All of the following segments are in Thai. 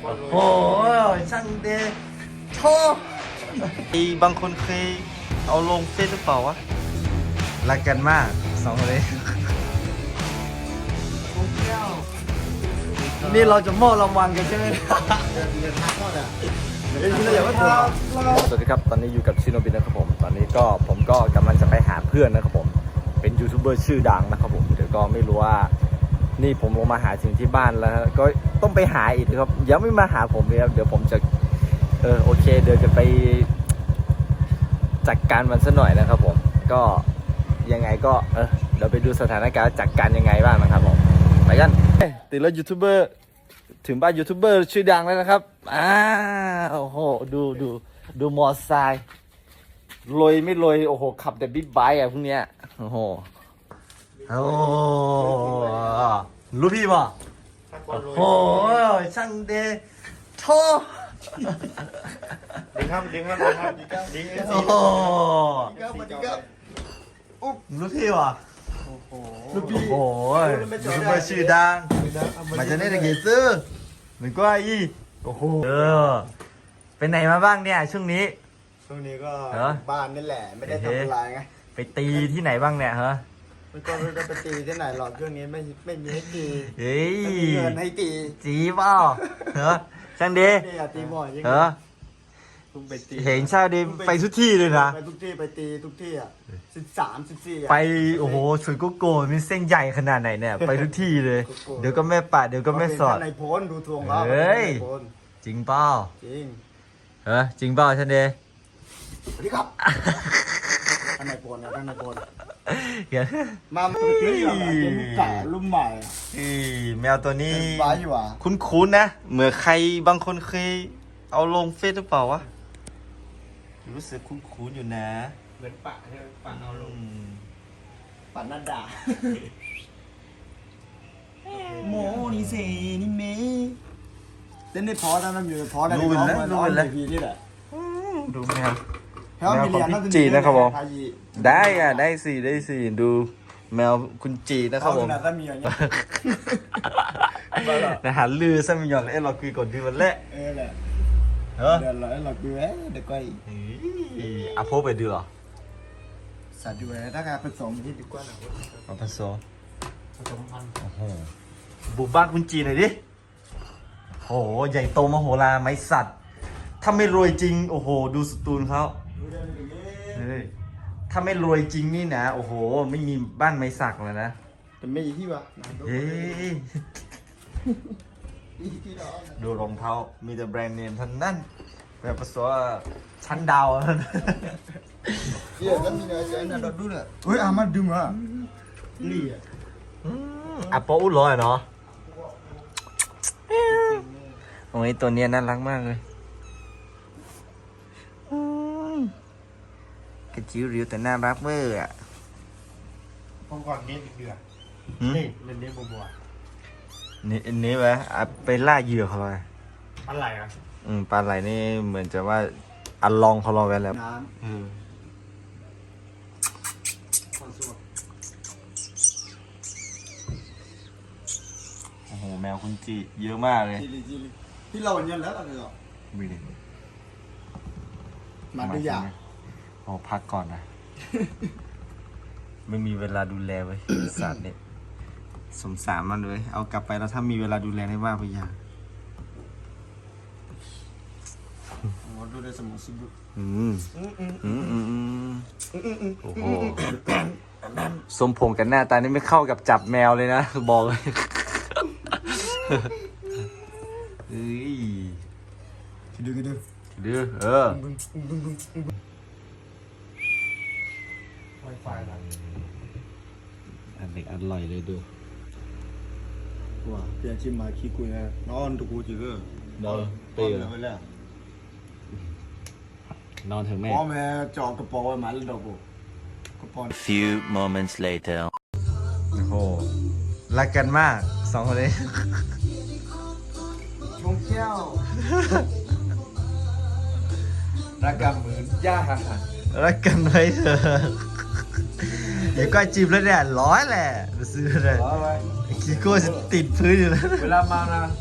โอ้ช่างเดชบางคนเคยเอาลงเฟซหรือเปล่าวะรักกันมากสองคนนี้นี่เราจะมอบรางวัลกันใช่ไหมสวัสดีครับตอนนี้อยู่กับชิโนบินะครับผมตอนนี้ผมก็กำลังจะไปหาเพื่อนนะครับผมเป็นยูทูบเบอร์ชื่อดังนะครับผมเดี๋ยวก็ไม่รู้ว่านี่ผมลงมาหาถึงที่บ้านแล้วก็ต้องไปหาอีกครับยังไม่มาหาผมเลยครับเดี๋ยวผมจะโอเคเดี๋ยวจะไปจัดการมันซะหน่อยนะครับผมก็ยังไงก็เดี๋ยวไปดูสถานการณ์จัดการยังไงบ้างนะครับผมไปกันติดรถยูทูบเบอร์ถึงบ้านยูทูบเบอร์ชื่อดังแล้วนะครับโอ้โหดูมอเตอร์ไซค์ลอยไม่ลอยโอ้โหขับแต่บิ๊กไบค์พวกเนี้ยโอ้โหรู้พี่ป่ะโอ้ยช่างเดชดีครับดีครับดีครับดีครับโอ้โหรู้พี่ป่ะโอ้โหยูทูบเบอร์ชื่อดังมาจากไหนกันซื้อเหมือนก็ไอ้โอ้โหเป็นไหนมาบ้างเนี่ยช่วงนี้ก็บ้านนี่แหละไม่ได้ทำอะไรไงไปตีที่ไหนบ้างเนี่ยฮะมันก็ไม่ได้ไปตีที่ไหนหรอกช่วงนี้ไม่มีให้ตีเฮ้ยไม่มีเงินให้ตีจีเปล่าเหรอช่างดีนี่ตีบ่อยยังเหรอเห็นช่างดีไปทุกที่เลยนะไปทุกที่ไปตีทุกที่อ่ะ13 14 ไปโอ้โหสุดก็โกนมีเส้นใหญ่ขนาดไหนเนี่ยไปทุกที่เลยเดี๋ยวก็แม่ป่าเดี๋ยวก็แม่สอดในโพนดูทวงเขาเฮ้ยจริงเปล่าจริงจริงเปล่าช่างดีสวัสดีครับท่านนายโพนนะท่านนายโพนมาซื้ออยู่เป็นไก่รุ่นใหม่แมวตัวนี้คุ้นๆนะเหมือนใครบางคนเคยเอาลงเฟซหรือเปล่าวะรู้สึกคุ้นๆอยู่นะเหมือนปะใช่ไหมปะเอาลงปะนัดดาโมนี่สินี่เมย์เต้นได้พอแล้วนะอยู่พอแล้วรู้เลยนี่แหละดูแมวของพี่จีนะครับผมได้สิดูแมวคุณจีนะครับผมนะหาลือซะมีหยอดเราคุยก่อนดีวันแรกแหละเดี๋ยวเราดูเดี๋ยวก็อาโพไปดูหรอสัตว์ดูถ้าการผสมที่ดีกว่าหน่อยผสมพันธุ์โอ้โหบุกบ้านคุณจีหน่อยดิโหใหญ่โตมโหฬารไม้สัตว์ถ้าไม่รวยจริงโอ้โหดูสตูนเขาถ้าไม่รวยจริงนี่นะโอ้โหไม่มีบ้านไม้สักเลยนะแต่ไม่ที่วะเฮ้ยดูรองเท้ามีแต่แบรนด์เนมทั้งนั้นแบบภาษาชั้นดาวเดี๋ยวก็มีเนื้อเยอะนะดูเลยเฮ้ยอามาดูมานี่อ่ะโป๊ะร้อยเนาะโอ้ยตัวนี้น่ารักมากเลยกระจิ๋วริ้วแต่น่ารักเวอร์อ่ะผมก่อนเนี้ยเดือดนี่เล่นเนี้ยบัวนี่ไหมไปล่าเหยื่อเขาเลยปลาไหลอ่ะปลาไหลนี่เหมือนจะว่าอัลลองเขาลองไว้แล้วน้ำโอ้โหแมวคุณจีเยอะมากเลยที่เราเนี้ยแล้วอะไรหรอมีดิมาดูอย่างพักก่อนนะไม่มีเวลาดูแลไว้สัตว์เนี่ยสงสารมันเลยเอากลับไปแล้วถ้ามีเวลาดูแลได้ว่าไปอย่างดูได้สมองสุดโอ้โหสมพงษ์กันหน้าตานี่ไม่เข้ากับจับแมวเลยนะบอกเลยเฮ้ยดูอันเด็กอร่อยเลยดูว้าเปลี่ยนชิมมาขี้กุยนะนอนทุกกูจีก็นอนเปย์นอนถึงแม่พ่อแม่จอกกระป๋องไว้มาแล้วดอกกูกระป๋อง Few moments later โอ้โหรักกันมากสองคนนี้ชงแก้วรักกันเหมือนย่ารักกันไว้เถอะเดี๋ยวก็จีบแล้วเนี่ยร้อยแหละซื้อเลยคีโก้จะติดพื้นอยู่แล้วเวลามานะ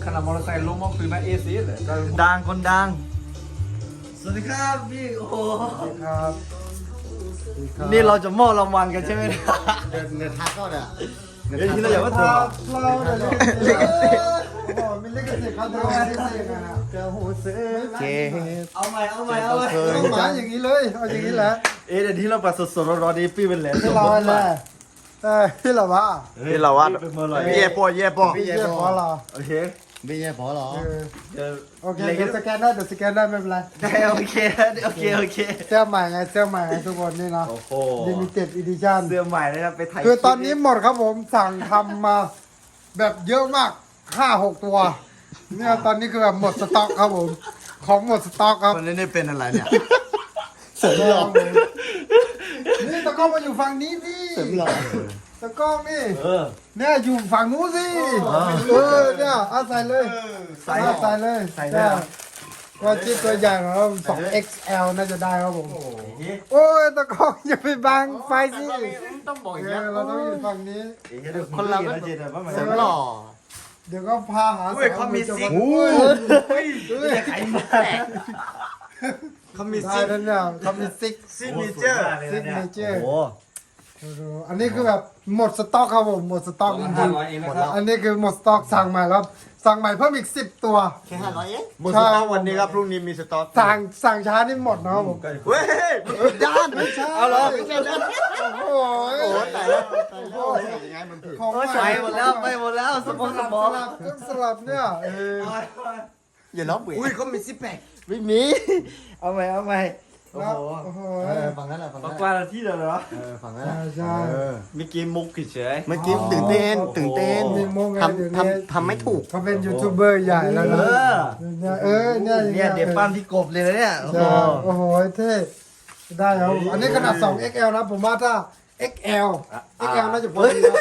ขนาดมอเตอร์ไซค์ล้มก็คือมาเอซีเลยดังคนดังสวัสดีครับพี่โอ้โหครับนี่เราจะมอบรางวัลกันใช่ไหมเนี่ยเนื้อทักก็เนี่ยเดี๋ยวทีเราอย่าว่าเธอเราเนี่ยลิขสิทธิ์โอ้มีลิขสิทธิ์เขาทำลิขสิทธิ์นะเจ้าหูซื้อเจ๊เอาใหม่เอาใหม่เอาใหม่ต้องหมายอย่างนี้เลยเอาอย่างนี้แหละเดี๋ยวที่เราปัดสดๆร้อนๆนี้พี่เป็นแหลมที่เราแหละที่เราว่าที่เราว่าเย่ปอเย่ปอพี่เย่พอเหรอโอเคไม่ใช่พอหรอโอเคเดี๋ยวสแกนได้เดี๋ยวสแกนได้ไม่เป็นไรโอเคโอเคเสื้อใหม่ไงเสื้อใหม่ไงทุกคนนี่นะโอ้โห limited edition เสื้อใหม่เลยนะไปถ่ายคือตอนนี้หมดครับผมสั่งทำมาแบบเยอะมาก 5-6 ตัวเนี่ยตอนนี้คือแบบหมดสต็อกครับผมของหมดสต็อกครับคนนี้เป็นอะไรเนี่ยเสริมหล่อนี่ตะกล้องมาอยู่ฝั่งนี้พี่เสริมหล่อตะกล้องนี่เออเนี่ยอยู่ฝั่งนู้นสิเนี่ยเอาใส่เลยใส่เลยใส่เลยก็ชิ้นตัวใหญ่ของเรา2XL น่าจะได้ครับผมโอ้ยตะกล้องอย่าไปบังไฟสิต้องบอกอย่างเอนี้อเราต้องอยู่ฝั่งนี้คนเราก็เสริมหล่อเดี๋ยวก็พาหาอุ้ยเขามีซิกอุ้ยไข่มาเขามีได้ซิกแล้วเนี่ยเขามีซิกซิกเนเจอร์ซิกเนเจอร์โอ้อันนี้คือแบบหมดสต็อกครับผมหมดสต็อกจริงๆอันนี้คือหมดสต็อกสั่งใหม่แล้วสั่งใหม่เพิ่มอีก10 ตัวแค่500เองหมดสต็อกวันนี้ครับพรุ่งนี้มีสต็อกสั่งช้านี่หมดนะครับผมเว้ยด้านไม่ใช่เอาเหรอไม่ใช่ด้านโอ้ยโอ้ตายแล้วตายแล้วยังไงมันผิดของโอ้ยใส่หมดแล้วไปหมดแล้วสมองสมองต้องสลับเนี่ยอย่าล้อเบื่ออุ้ยเขามีซิปแพคไม่มีเอาใหม่โอ้โหโอ้โหฝั่งนั้นแหละฝั่งปานั้นกวาดที่เดียวเหรอฝั่งนั้นแหละใช่มีกีมุกเฉยเมื่อกี้ตื่นเต้นตื่นเต้นมีโมงไงเดี๋ยวทนี้ำไม่ถูกเขาเป็นยูทูบเบอร์ใหญ่แล้วนะเนี่ยเนี่ยเนี่ยเดี๋ยวปั้มที่กบเลยนะเนี่ยโอ้โหใช่โอ้โหเท่ได้ครับอันนี้ขนาด 2XL นะผมว่าถ้า XL น่าจะพอดีนะ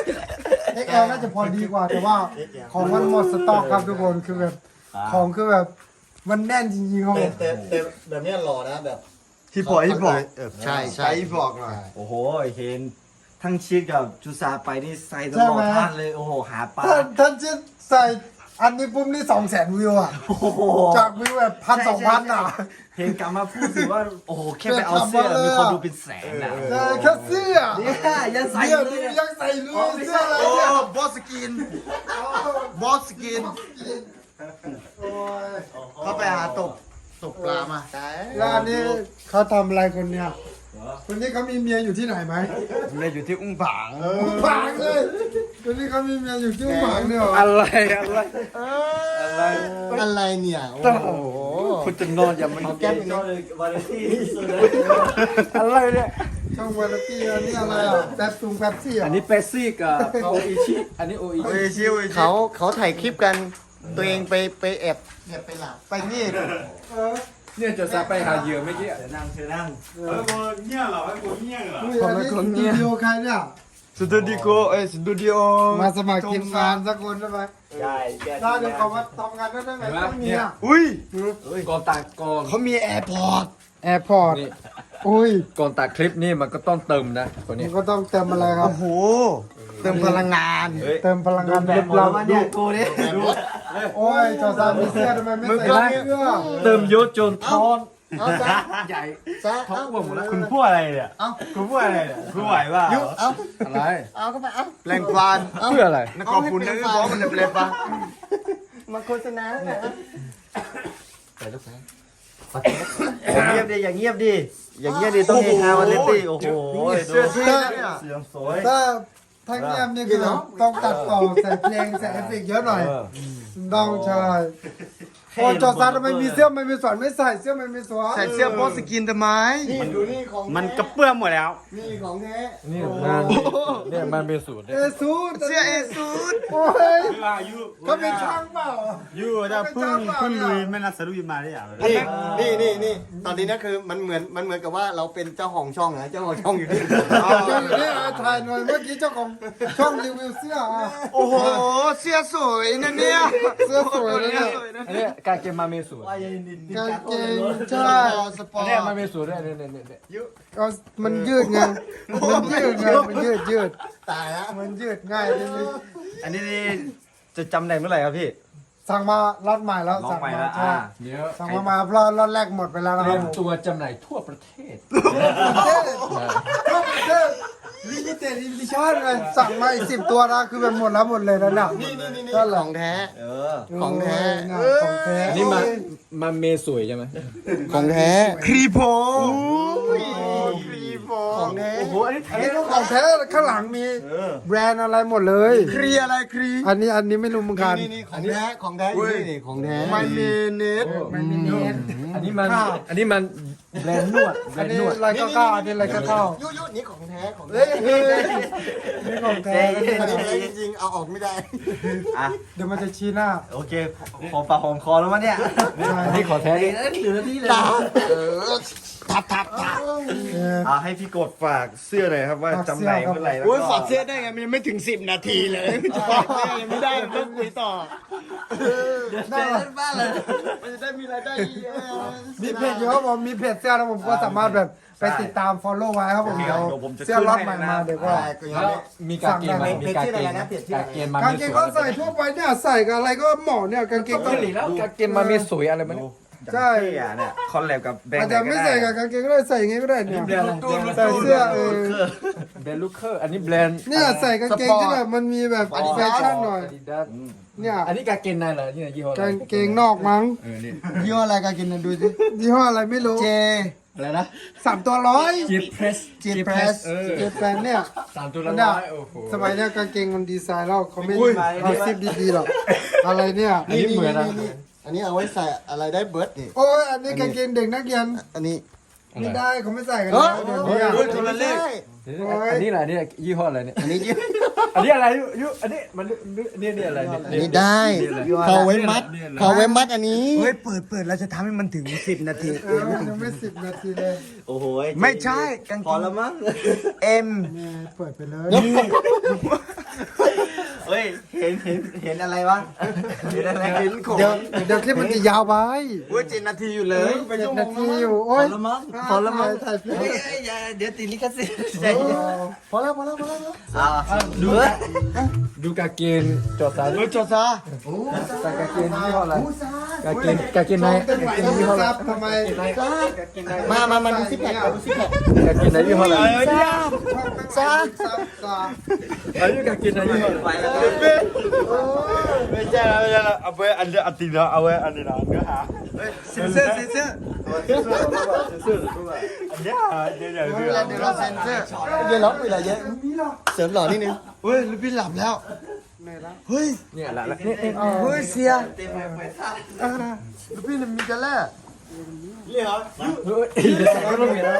XL น่าจะพอดีกว่าแต่ว่าของมันหมดสต็อกครับทุกคนคือแบบของคือแบบมันแน่นจริงๆครับผมแต่แบบนี้หล่อนะแบบที่ปล่อยที่บอกใช่ใช่ไปบอกหน่อยโอ้โหเห็นทั้งชีสกับจูซาไปนี่ใส่ตลอดท่านเลยโอ้โหหาปลาท่านจะใส่อันนี้ปุ๊บนี่200,000 วิวอ่ะโอ้โหจากวิวแบบ1,000-2,000อ่ะเห็นกลับมาพูดสิว่าโอ้โหแค่ไปเอาเสื้อมีคนดูเป็นแสนนะใช่แค่เสื้อเนี่ยยังใส่เนี่ยเลดูยยังใส่เลยเสื้ออะไรโอ้เนี่ยบอสกินบอสกินโอ้ยเขาไปหาตกปลามาแล้วอันนี้เขาทำอะไรคนเนี่ยคนนี้เขามีเมียอยู่ที่ไหนไหมเนี่ยอยู่ที่อุ้งผางฝางเลยคนนี้เขามีเมียอยู่ที่ฝางเนี่ยเหรออะไรอะไรเนี่ยโอ้โหคุณจะนอนอย่ามาเอาแก้มอย่างนี้อะไรเนี่ยช่องวาไรตี้อันนี้อะไรอ่ะแป๊บแป๊บซี่อ่ะอันนี้เปซี่กับโออิชิอันนี้โออิชิเขาถ่ายคลิปกันตัวเองไปแอบไปหลับไปนี่เนี่ยจะซาไปหาเหยื่อเมื่อกี้นั่งนั่งอุ้ยอันนี้สตูดิโอใครเนี่ยสตูดิโอสตูดิโอมาสมัครทีมงานสักคนได้ไหมใช่ถ้าเดี๋ยวเขามาทำงานได้ไหมต้องมีอ่ะอุ้ยก่อนตัดก่อนเขามีแอร์พอร์ตแอร์พอร์ตอุ้ยก่อนตัดคลิปนี่มันก็ต้องเติมนะคนนี้มันก็ต้องเติมอะไรครับโอ้โหเติมพลังงานเติมพลังงานเรียบร้อยเนี่ยกูนี่โอ้ยจอซานมีเสื้อทำไมไม่ใส่เสื้อเติมยศจนท้อนเอาซะใหญ่ซะท้อเอางอ้วนหมดแล้วคุณพูดอะไรเนี่ยเอาคุณพูดอะไรเนี่ยคุณไหวป่ะยุเอาอะไรเอาเข้าไปเอาแรงฟานเพื่ออะไรนักกอล์ฟคุณนึกว่ามันเป็นปะมาโฆษณาแล้วนะไปลูกนะอย่างเงียบดิอย่างเงียบดิอย่างเงียบดิต้องเฮฮาวันเล่นดิโอ้โหเสื้อเสียงสวยถ้าเงียบนี่คือต้องตัดต่อใส่เพลงใส่เอฟเฟกต์เยอะหน่อยต้องใช่โอ้จอซานทำไมมีเสื้อไม่มีสวนไม่ใส่เสื้อไม่มีสวนใส่เสื้อบอสกินทำไมนี่ดูนี่ของมันกระเปื้อนหมดแล้วนี่ของแท้นี่งานเนี่ยมันเป็นสูตรเอซูดเสื้อเอซูดโอ้ยเขาเป็นช่างเปล่ายูถ้าเพิ่งลุยไม่นัดสรุปมาได้อย่างนี่ตอนนี้นะคือมันเหมือนกับว่าเราเป็นเจ้าของช่องนะเจ้าของช่องอยู่ที่นี่ถ่ายหน่อยเมื่อกี้เจ้าของช่องรีวิวเสื้อโอ้โหเสื้อสวยนะเนี่ยเสื้อสวยเลยเนี่ยอันนี้การเกมมาเมสูตรกางเกงใช่สปออันร์นี้ตมาเมสูตรเนี่ยก็มันยืดไงมันยืดตายแล้วมันยืดง่ายจริงอันนี้จะจำได้เมื่อไหร่ครับพี่สั่งมาล็อตใหม่แล้วน้องสั่งใหม่มาแล้วใช่เดี๋ยวสั่งมาล็อตแรกหมดไปแล้วนะเตครีรัยบมผมตัวจำหน่ายทั่วประเทศลิมิเต็ดอีดิชั่นเลยสั่งมาอีก10 ตัวนะคือแบบหมดแล้วหมดเลยนะเนี่ยนี่ก็เหรขอองแท้ของแท้ของแท้อันนี้มาเมสวยใช่ไหมของแท้ครีโพของแท้โอ้โหอันนี้อันนี้ก็ของแท้ข้างหลังมีแบรนด์อะไรหมดเลยครีอะไรครีอันนี้ไม่รู้เหมือนกันนี่ของแท้ของแท้นี่ของแท้ไม่เมเนสมันมีเนสอันนี้มันแบรนด์นวดแบรอันนด์นี้นวดอะไรก็เข้าอันนี้อะไรก็เข้ายุนี่ของแท้ของเฮ้แท้ยนี่ของแท้อันนี้แท้จริงๆเอาออกไม่ได้เดี๋ยวมันจะชี้หน้าโอเคหอมปากหอมคอแล้วมั้งเนี่ยอันนี้ขอแท้ดิให้พี่กดฝากเสื้อหน่อยครับว่าจำหน่ายเมื่อไหร่แล้วโอ้ยก็ฝากเสื้อได้ไงมันยังไม่ถึง10 นาทีเลยยังไม่ได้ต้องคุยต่อได้เหรอมันจะได้มีรายได้เยอะมีเพจเยอะผมมีเพจเสื้อแล้วผมก็สามารถแบบไปติดตาม follow ไว้ครับผมเดี๋ยวเสื้อล็อตใหม่มาเดี๋ยวก็แล้วมีกางเกงไหมมีกางเกงไหมกางเกงมากางเมเกสงวก็ยใส่ทั่วไปเนี่ยใส่กับอะไรก็เหมาะเนี่ยกางเกงเกาหลีแล้วกางเกงมาเมสวยอะไรมันใช่เนี่ยคอนแลบกับแบรนอาจด์จะไม่ใส่กับกางเกงก็ได้ใส่อย่างงี้ก็ได้เนี่ยใส่เสื้อแบรนด์ลูกเคอร์อันนี้แบรนด์เนี่ยใส่กางเกงที่แบบมันมีแบบแฟชั่นหน่อย Adidas เนี่ยอันนี้กางเกงในเหรอที่ไหนยี่ห้ออะไรกางเกงนอกมั้งนี่ยี่ห้ออะไรกันกินดูสิยี่ห้ออะไรไม่รู้เจอะไรนะ 3 ตัวร้อย G Press G Press เจแปนเนี่ย 3 ตัวละเนี่ย 100โอ้โหสมัยเนี้ยกางเกงมันดีไซน์แล้วเขาไม่เอาซิปดีๆหรอกอะไรเนี่ยอันนี้เหมือนนะอันนี้เอาไว้ใส่อะไรได้เบิร์ดนี่โอ้ยอันนี้กางเกงเด็กนักเรียนอันนี้ไม่ได้เขาไม่ใส่กันแล้วเดี๋ยวนี้อะคนละเลขอันนี้อะไรนี่ยี่ห้ออะไรเนี่ยอันนี้อันนี้อะไรยุอันนี้มันนี่อะไรอันนี้ได้เขาไว้มัดเขาไว้มัดอันนี้เฮ้ยเปิดเราจะทำให้มันถึง10 นาทียังไม่10 นาทีเลยโอ้โหไม่ใช่กางเกงพอแล้วมั้งเอ็มเนี่ยเปิดไปเลยเฮ้ยเห็นอะไรวะเห็นอะไรเห็นของเดี๋ยวคลิปมันจะยาวไปเว้ย7 นาทีอยู่เลย 7 นาทีอยู่โอ้ยพอแล้วมั้งถ่ายคลิปเดี๋ยวติดลิขสิทธิ์พอแล้วดูกางเกงจอดสายจดซะกางเกงยี่ห้ออะไรกางเกงในเต็มไหวกางเกงยี่ห้ออะไรครับทำไมมาดูซิปแพคดูซิปแพคกางเกงในยี่ห้ออะไรซ่าอันนี้กางเกงในยี่ห้ออะไรไม่ใช่แล้วเอาไว้อันเดียวอันตีนะเอาไว้อันนี้นะเนื้อหาเสื้ออันเนี้ยเดี๋ยวเราเซ็นเซอร์เดี๋ยวล็อกไปอะไรเยอะเสริมหล่อนิดนึงเฮ้ยพี่หลับแล้วเฮ้ยเนี่ยละนี่เฮ้ยเสียพี่มีกันแล้วเฮ้ยไม่ต้องมีแล้ว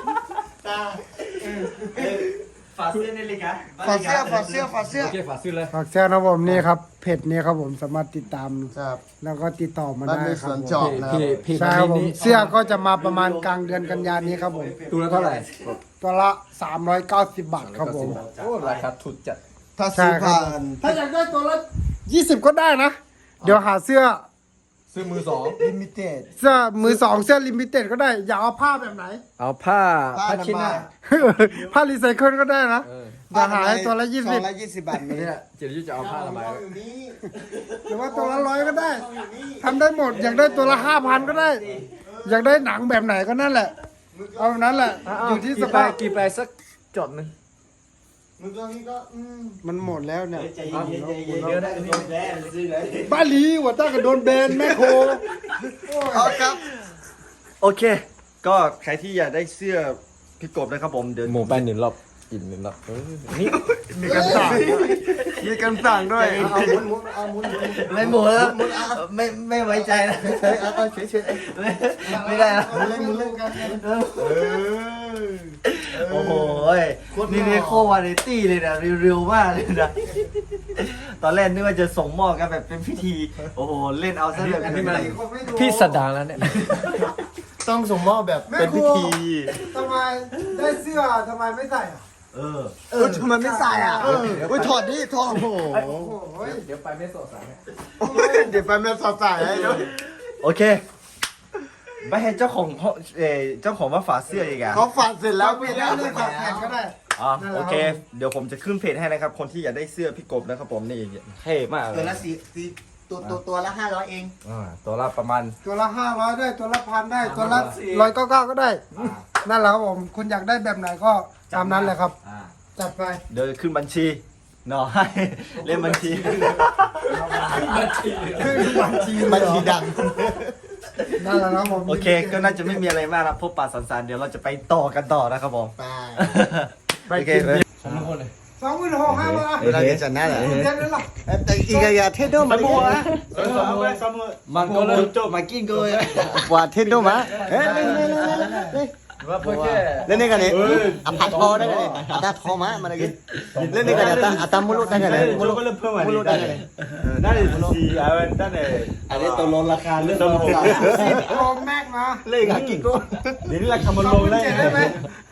ฝาเสื้อในลิกะฝาเสื้อโอเคฝากซื้อเลยฝากแชร์นะผมนี่ครับเพจนี้ครับผมสามารถติดตามครับแล้วก็ติดต่อมาบ้านได้มีคสรับวนผมจอบนะพี่ใช่ครับผมเสื้อก็จะมาประมาณกลางเดือนกันยายนนี้ครับผมตัวละเท่าไหร่ตัวละ390 บาทครับผมโอ้ราคาถูกจัดถ้าซื้อผ่านถ้าอยากได้ตัวละ20 ก็ได้นะ เดี๋ยวหาเสื้อซื้อมือสองลิมิเต็ดเสื้อมือสองเสื้อลิมิเต็ดก็ได้ อยากเอาผ้าแบบไหนเอาผ้าชิ้นหน้าผ้ารีไซเคิลก็ได้นะจะหาให้ตัวละ 20 บาทนี้เนี่ยเจริญจะเอาผ้าทำไม 20หรือว่าตัวละ100ก็ได้ทำได้หมด อยากได้ตัวละ5,000ก็ได้ อยากได้หนังแบบไหนก็นั่นแหละ เอาแบบนั้นแหละ อยู่ที่สภาพกี่ไปสักจดหนึ่งมึงตอนนี้ก็มันหมดแล้วเนี่ยเดี๋ยวได้บ้าหลีหัวต้ากับโดนแบนแม่โคเอาครับโอเค ก็ใครที่อยากได้เสื้อพี่กบนะครับผมเดี๋ยวหมูไป1 รอบอิ่ม1 รอบนี่มีกันสั่งด้วยไม่หมดแล้วไม่ไว้ใจนะเอาเฉยไม่ได้แล้วมึงเล่นกันโอ้โหนี่โควาไรตี้เลยนะเร็วๆมากเลยนะตอนแรกนึกว่าจะส่งมอบกันแบบเป็นพิธีโอ้โหเล่นเอาซะแบบอันนี้มันพี่สดาแล้วเนี่ยต้องส่งมอบแบบเป็นพิธีทำไมได้เสื้อทำไมไม่ใส่อ่ะทำไมไม่ใส่อ่ะถอดดิถอดโอ้โหโอ้ยเดี๋ยวไปไม่สดสายเดี๋ยวไปแม่สอดใส่ให้ด้วยโอเคไปให้เจ้าของเจ้าของว่าฝาเสื้ออีกอ่ะเขาฝากเสร็จแล้วเอาไปพี่แล้แล้ว วเลือกแผ่นก็ได้อ๋อโอเค เดี๋ยวผมจะขึ้นเพจให้นะครับ คนที่อยากได้เสื้อพี่กบนะครับผมนี่เท่มากเลตัวย ละตัวละ500เองตัวละประมาณตัวละ500ได้ตัวละ1,000ได้ตัวละ199ก็ได้นั่นแหละครับผมคุณอยากได้แบบไหนก็ตามนั้นเลยครับจัดไปเดี๋ยวขึ้นบัญชีเนาะให้เล่นบัญชีคือบัญชีบัญชีดังนั่นแหละครับผมโอเค ก็น่าจะไม่มีอะไรมากนะพบปะสันสานเดี๋ยวเราจะไปต่อกันต่อนะครับผมไปโอเค 26,500 เราจะจัดหน้าเหรอเดือนนั้นหรออีกอย่างเทโดมาดิมันก็เลยโจมากินก็เลยว่าเทโดมาเฮ้ยว่าเพื่อแค่เล่นนี่กันนี่อ่ะพัดคอได้กันนี่อ่ะตาคอมามาได้กันเล่นนี่กันอ่ะตามุลุได้กันมุลุได้กันนั่นเลยสีนั่นเลยอันนี้ตัวลดราคาเรื่องโปรแม็กนะเล่นกินก็เดี๋ยวนี้ราคามันลงได้ 27ได้ไหม